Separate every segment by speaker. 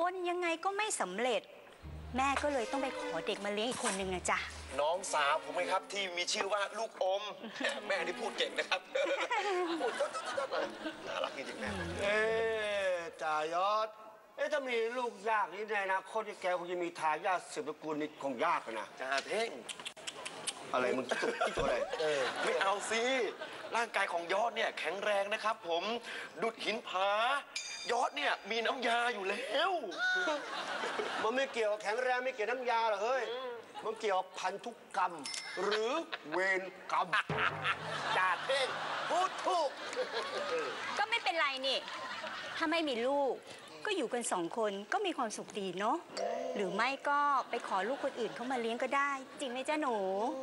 Speaker 1: นยังไงก็ไม่สำเร็จแม่ก็เลยต้องไปขอเด็กมาเลี้ยงอีกคนนึงนะจ๊ะ
Speaker 2: น้องสาวผมไหมครับที่มีชื่อว่าลูกอมแม่นี่พูดเก่งนะครับพูดน่ารักจริงๆแม่
Speaker 3: จ่ายอดถ้ามีลูกยากนี่ในอนาคตแกคงจะมีทายาทสืบตระกูลนี่คงยากนะ
Speaker 2: จ่าเท่ง
Speaker 3: อะไรมึงที่ตัวอะไร
Speaker 2: ไม่เอาสิร่างกายของยอดเนี่ยแข็งแรงนะครับผมดุดหินผายอดเนี่ยมีน้ำยาอยู่แล้ว
Speaker 3: มันไม่เกี่ยวแข็งแรงไม่เกี่ยวน้ำยาหรอกเฮ้ยมันเกี่ยวพันธุกรรมหรือเวรกรรมจ่าเท่งพูดถูก
Speaker 1: ก็ไม่เป็นไรนี่ถ้าไม่มีลูกก็อยู่กัน2 คนก็มีความสุขดีเนาะหรือไม่ก็ไปขอลูกคนอื่นเข้ามาเลี้ยงก็ได้จริงไหมจ๊ะหนู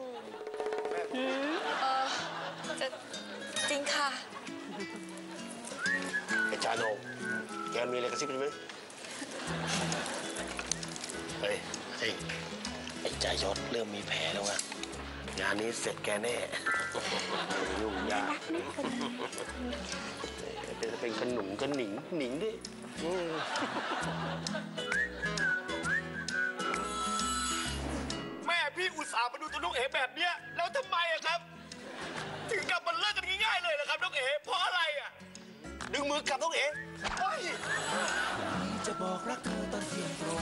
Speaker 4: จะจริงค่ะ
Speaker 3: ไอ้จาโนแกมีอะไรกระซิบไหม
Speaker 2: เฮ้ยไอ้จ่ายอดเริ่มมีแผลแล้วอะงานนี้เสร็จแกแน่
Speaker 3: ยุ่งยากจะเป็นขนุนก็หนิงดิ
Speaker 2: แม่พี่อุตส่าห์มาดูตัวน้องเอ๋แบบเนี้ยแล้วทำไมอะครับถึงกลับมาเลิกกันง่ายๆเลยเหรอครับน้องเอ๋เพราะอะไรอะดึงมือกลับน้องเอ๋
Speaker 5: จะบอกรักเธอตอนเที่ยงตรง